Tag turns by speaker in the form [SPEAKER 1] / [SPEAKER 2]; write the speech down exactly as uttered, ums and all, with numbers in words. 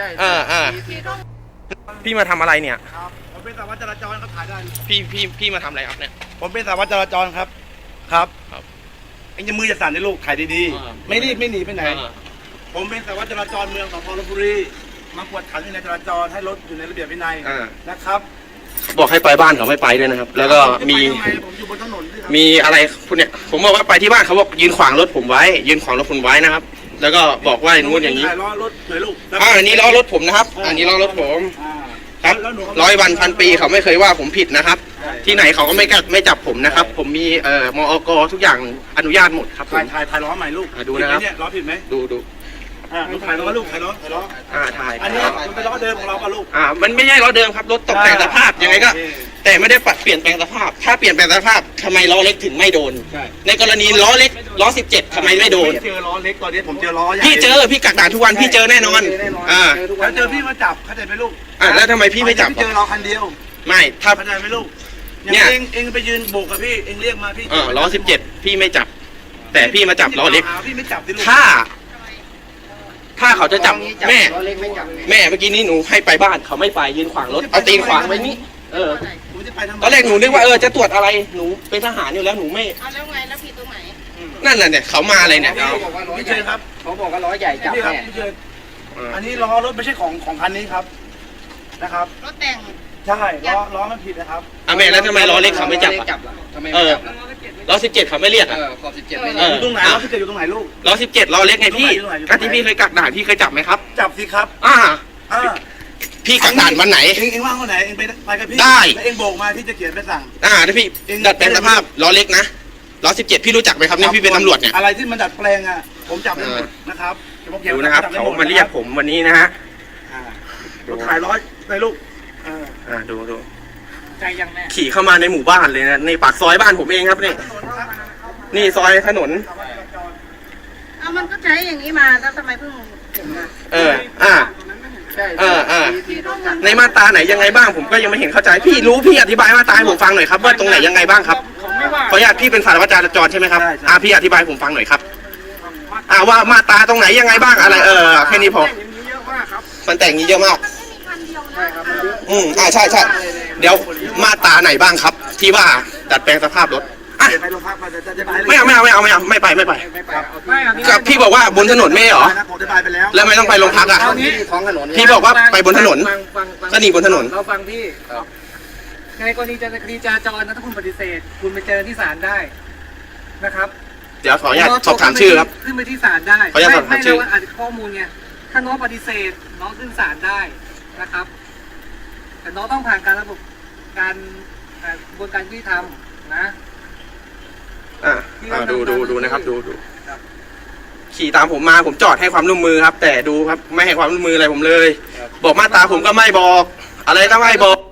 [SPEAKER 1] เออเออพี่มาทำอะไรเนี่ย
[SPEAKER 2] ครับผมเป็นสารวัตรจราจรครับถ่ายได้
[SPEAKER 1] พี่พี่พี่มาทำอะไรครับเนี่ย
[SPEAKER 2] ผมเป็นสารวัตรจราจรครับครับ
[SPEAKER 1] ครับ
[SPEAKER 2] เอ็งจะมือจะสั่นในลูกถ่ายดีๆไม่รีบไม่หนีไปไหนผมเป็นสารวัตรจราจรเมืองสพลพบุรีมากวดขันในจราจรให้รถอยู่ในระเบียบวินัยนะครับ
[SPEAKER 1] บอกให้ไปบ้านเขาไม่ไปด้วยนะครับแล้วก็มี
[SPEAKER 2] ผมอยู่บนถนน
[SPEAKER 1] มีอะไรคุณเนี่ยผมบอกว่าไปที่บ้านเขาบอกยืนขวางรถผมไว้ยืนขวางรถคุณไว้นะครับแล้วก็บอกว่าอย่างนู้นอย่างนี้
[SPEAKER 2] ล้อรถหน่อยลูก
[SPEAKER 1] อ่าอันนี้ล้อรถผมนะครับอันนี้ล้อรถผมครับร้อยวันพันปีเขาไม่เคยว่าผมผิดนะครับที่ไหนเขาก็ไม่ไม่จับผมนะครับผมมีเอ่อมอกทุกอย่างอนุญาตหมดครับ
[SPEAKER 2] ถ่ายถ่ายถ่ายล้อใหม่ลูก
[SPEAKER 1] ดูนะครับ
[SPEAKER 2] ล้อผิดไหม
[SPEAKER 1] ดูดู
[SPEAKER 2] อ่าลูกถ่ายล้อลูกถ่ายล้อถ่ายล้อ
[SPEAKER 1] อ่าถ่าย
[SPEAKER 2] อันนี้มันเป็นล้อเดิมของเราป่ะลูก
[SPEAKER 1] อ่ามันไม่ใช่ล้อเดิมครับรถตกแต่งสภาพยังไงก็แต่ไม่ได้ปรับเปลี่ยนแปลงสภาพถ้าเปลี่ยนแปลงสภาพทำไมล้อเล็กถึงไม่โดนในกรณีล้อเล็กล้อสิบเจ็ดทำไมไม่โดน
[SPEAKER 2] เจอล้อเล็กตอนนี้ผมเจอล้อ
[SPEAKER 1] พี่เจอพี่กักด่านทุกวันพี่เจอแน่นอนอ่า
[SPEAKER 2] แล้วเจอพี่มาจับเข้าใจไหมลูก
[SPEAKER 1] อ่าแล้วทำไมพี่ไม่จับ
[SPEAKER 2] เจอเราคันเดียว
[SPEAKER 1] ไม่ถ้า
[SPEAKER 2] เข้าใจไหมลูกเนี่ยเองเองไปยืนโบกกับพี่เองเรียกมาพี่
[SPEAKER 1] เออล้อสิบเจ็ดพี่ไม่จับแต่พี่มาจับล้อเล็ก
[SPEAKER 2] พี่ไม่จับ
[SPEAKER 1] ถ้าถ้าเขาจะจับแม่แม่เมื่อกี้นี้หนูให้ไปบ้านเขาไม่ไปยืนขวางรถเอาตีนขวางไว้นี่เออตอนแรกหนูนึกว่าเออจะตรวจอะไรหนูเป็นทหารอยู่แล้วหนูไม่
[SPEAKER 3] เอาแล้วไงแล้วผิดตรงไหน
[SPEAKER 1] นั่นน่ะเนี่ยเขามาอะไรเนี่ย
[SPEAKER 2] เขาบอกว่าล้อใหญ่ครับ
[SPEAKER 3] เขาบอกว่าล้อใหญ่จับแม่
[SPEAKER 2] อันนี้ล้อรถไม่ใช่ของของคันนี้ครับนะครับ
[SPEAKER 3] รถแต่ง
[SPEAKER 2] ใช่ล้อล้อมันผิดนะครับ
[SPEAKER 1] อ่ะแม่แล้วทำไมล้อเล็กเขาไม่จับอ่ะเออล้อสิบเจ็ดเขาไม่เรียกอ่ะ
[SPEAKER 3] ขอบสิบเจ็ดไม่
[SPEAKER 2] เรียกอยู่ตรงไหนล้อสิบเจ็ดอยู่ตรงไหนลูก
[SPEAKER 1] ล้อสิบเจ็ดล้อเล็กไงพี่ถ้าที่พี่เคยกักด่านพี่เคยจับไหมครับ
[SPEAKER 2] จับสิครับ
[SPEAKER 1] อ่าพี่กักด่านวันไหน
[SPEAKER 2] เองเองว่างวันไหนเองไปไปกับพี่
[SPEAKER 1] ได้
[SPEAKER 2] เองโบกมาพี่จะเขียนไปสั่ง
[SPEAKER 1] อ่าถ้าพี่ดัดแปลงสภาพล้อเล็กนะล้อสิบเจ็ดพี่รู้จักไหมครับนี่พี่เป็นตำรวจเนี่ย
[SPEAKER 2] อะไรที่มันดัดแปลงอ่ะผมจับได้หมดนะครับ
[SPEAKER 1] ดูนะครับเขามาเรียกผมวันนี้นะฮะ
[SPEAKER 2] รถถ่ายร้อยในลูก
[SPEAKER 1] อ่าดูดู
[SPEAKER 3] ใจยังแม่
[SPEAKER 1] ขี่เข้ามาในหมู่บ้านเลยนะในปากซอยบ้านผมเองครับนี่นี่ซอยถนน
[SPEAKER 3] อ่ะมันก็ใช้อย่างนี้มาแล้วทำไมเพิ่ง
[SPEAKER 1] เอออ่าเออเออในมาตราไหนยังไงบ้างผมก็ยังไม่เห็นเข้าใจพี่รู้พี่อธิบายมาตราให้ผมฟังหน่อยครับว่าตรงไหนยังไงบ้างครับขออนุญาตพี่เป็นสารวัตรจราจรใช่ไหมครับอ่าพี่อธิบายผมฟังหน่อยครับอ่าว่ามาตราตรงไหนยังไงบ้างอะไรเออแค่นี้พอมันแต่งนี้เยอะมากอืมอ่าใช่ใช่เดี๋ยวมาตราไหนบ้างครับที่ว่าดัดแปลงสภาพรถไม่เอาไม่เอาไม่เอาไม่เอาไม่ไปไม่ไปกับพี่บอกว่าบนถนนไม่เหรอแล้วไม่ต้องไปโรงพักอ่ะพี่บอกว่าไปบนถนนก็หนีบนถนน
[SPEAKER 3] เราฟังพี่ในกรณีจะคดีจราจรนะถ้าคุณปฏิเสธคุณไปเจอที่ศาลได้นะครับ
[SPEAKER 1] เดี๋ยวขออนุญาตสอบถามชื่อครับ
[SPEAKER 3] ขึ้นไปที่ศาลได้
[SPEAKER 1] ขออนุญาตสอบถามชื่อ
[SPEAKER 3] อาจจะข้อมูลไงถ้าน้องปฏิเสธน้องขึ้นศาลได้นะครับแต่น้องต้องผ่านการระบบการกระบวนการยุติธรรมนะ
[SPEAKER 1] อ่าดูดูดูนะครับดูดูขี่ตามผมมาผมจอดให้ความร่วมมือครับแต่ดูครับไม่ให้ความร่วมมืออะไรผมเลยบอกมาตราผมก็ไม่บอกอะไรก็ไม่บอก